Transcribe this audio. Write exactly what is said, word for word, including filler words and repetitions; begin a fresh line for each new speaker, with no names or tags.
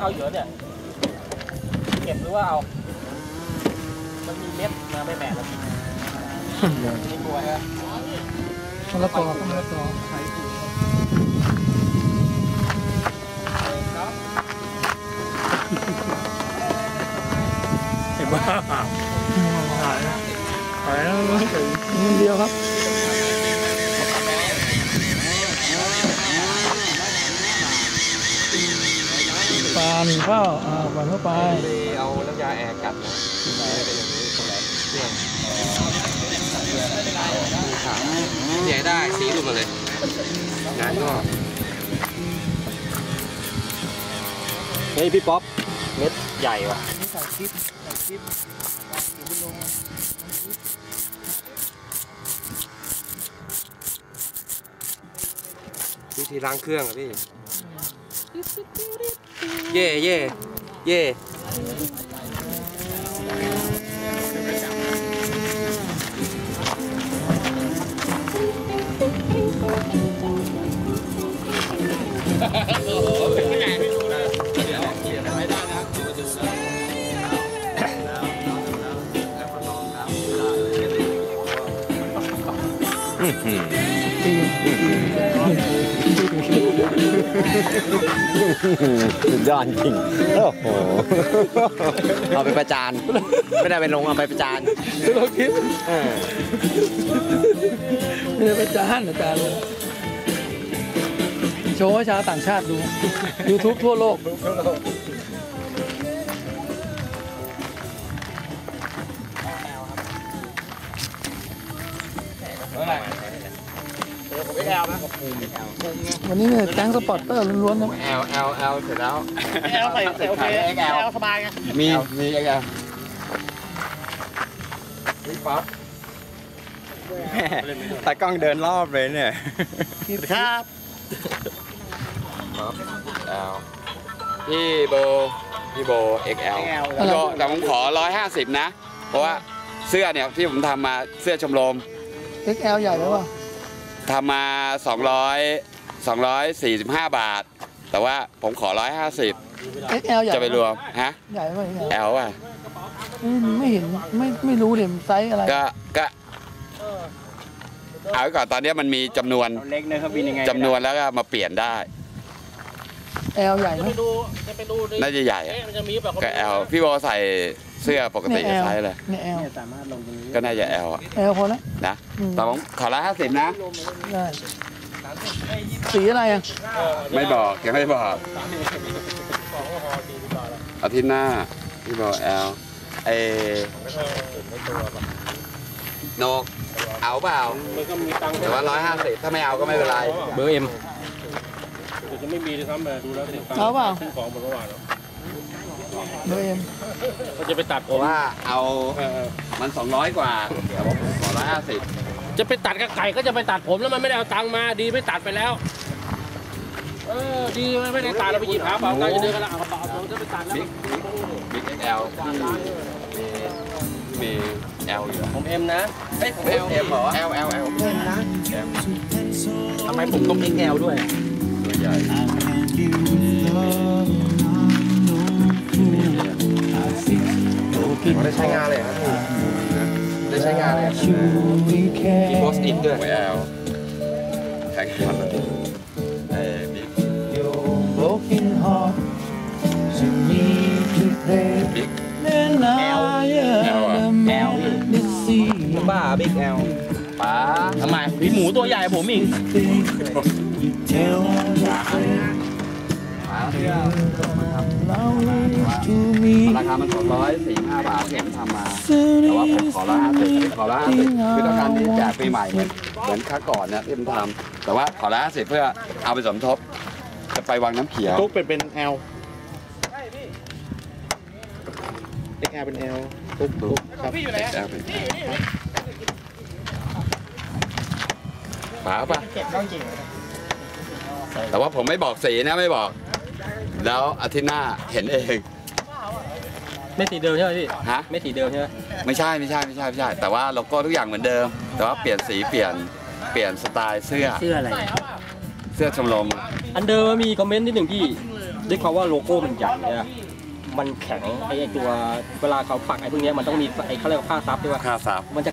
เอาเยอะเนี่ยเก็บหรือว่าเอามันมีเม็ดมาไม่แม่แล้วพี่ไม่กลัวฮะมะละกอมะละกอใช้ถูกเห็นบ้าหายหายแล้วนิดเดียวครับปลาหนึ่งข้าวอ่าปลาเข้าไป
เอาน้ำยาแอร์กัดนะเป็นอย่างนี้ตรงไหนเนี่ยใหญ่ได้สีหลุดมาเลยงานก็เฮ้ยพี่ป๊อปเม็ดใหญ่ว่ะ
ใส่คลิปใส่คลิป
วิธีล้างเครื่องอะพี่เย่เย่เย่สุดยอดจริงโอ้โหเอาไปประจานไม่ได้ไปลงเอาไปประจาน
เราคิดไม่ได้ประจานอาจารย์เลยโชว์ให้ชาวต่างชาติดู ยูทูบ ทั่วโลกวันนี้เนี่ยแก๊งสปอร์ตเตอร์ล้วนๆนะ
แอลแอลแอลเสร็จแล้ว
แอลใส่ใส่โอเคแอลสบายไง
มีมีแอลนี่ป๊อปตากล้องเดินรอบเลยเนี่ย
ครับ
ป๊อปแอลพี่โบพี่โบ เอ็กซ์ แอล พี่โบแต่ผมขอร้อยห้าสิบนะเพราะว่าเสื้อเนี่ยที่ผมทำมาเสื้อชมรม
เอ็กซ์ แอล ใหญ่ไหมวะ
ทำมาสองร้อยสองร้อยสี่สิบห้าบาทแต่ว่าผมขอร้อยห้าสิบ
เอ็กซ์ แอล ใหญ่
จะไปรวมฮะ
ใหญ่ไหม
แอลอ่ะ
ไม่เห็นไม่ไม่รู้เดี๋ยวไซส์อะไร
ก็ก็เอาไว้ก่อนตอนนี้มันมีจำนวน
เล็กนะครับเป็นยังไง
จำนวนแล้วก็มาเปลี่ยนได้
แอลใหญ่ไหม
น่าจะใหญ่ก็แอลพี่โบใส่เสื้อปกติจะไซส์เลย
เนี่ยแอลสามารถลงตรงนี้
ก็น่าจะแอล
แอลพอแล้ว
นะแต่ผมขอละห้าสิบนะ
ได้สีอะไรอ่ะ
ไม่บอกยังไม่บอกอาทิตย์หน้าพี่บอกแอลเอโนกเอาเปล่าแต่ว่าร้อยห้าสิบถ้าไม่เอาก็ไม่เป็นไรเบอร์เอ็ม
จะไม่มีเลยครับดูแล้วเอาเปล่าของหมดเมื่อวานแล้วเบอร์เอ็มเขาจะไปตัดผม
ว่าเอามันสองร้อยกว่าแต่ว่าผมขอร้อยห้าสิบ
จะไปตัดกับไก่ก็จะไปตัดผมแล้วมันไม่ได้เอาตังค์มาดีไม่ตัดไปแล้วเออดีไม่ได้ตัดเราไปหยิบหาเปล่าไก่จะเดินกันละเอาเปล่าเราจะไปตัดแล้ว
บิ๊กเอ็ลมีเอลอยู่
ผมเอ็มนะ
เฮ้ยผมเอลเอ็มเหรอเอลเอลเอล
เอ็มนะทำไมผมต้องเอ็กซ์แอลด้วย
ตัวใหญ่ได้ใช้งานเลยครับได้ใช้งานเลยมีโพสต์อินด้วยแอลแข่งขันเอ้บิ๊กบิ๊กแอลแอลแอล
บ้าบิ๊กแอล
ป๋า
ทำไมมีหมูตัวใหญ่ผมอีก
ราคามันสองร้อยสี่ห้าบาทที่ผมทำมาแต่ว่าผมขอละห้าสิบขอละห้าสิบคือต้องการที่แจกปีใหม่เหมือนเหมือนครั้งก่อนเนี่ยที่ผมทำแต่ว่าขอละห้าสิบเพื่อเอาไปสมทบจะไปวังน้ำเขียว
ตุ๊กเป็นเป็นแอลเอ็กแอลเป็นแอลตุ๊กตุ๊กครับพี่อยู่ไหน
ป๋าป่ะแต่ว่าผมไม่บอกสีนะไม่บอกแล้วอาทิตย์หน้าเห็นเอง
ไม่สีเดิมใช่ไหมพี่
ฮะ
ไม่สีเดิมใช่ไหม
ไม่ใช่ไม่ใช่ไม่ใช่ไม่ใช่แต่ว่าโลโก้ทุกอย่างเหมือนเดิมแต่ว่าเปลี่ยนสีเปลี่ยนเปลี่ยนสไตล์เสื้อ
เสื้ออะไร
เสื้อชมรม
อันเดิมมีคอมเมนต์นิดหนึ่งพี่
ด้วยความว่าโลโก้มันใหญ่เนี่ยมันแข็งไอ้ตัวเวลาเขาปักไอ้พวกนี้มันต้องมีไอ้เขาเรียกว่าผ้าซับด้วยว่า
ค่าซับ
มันจะ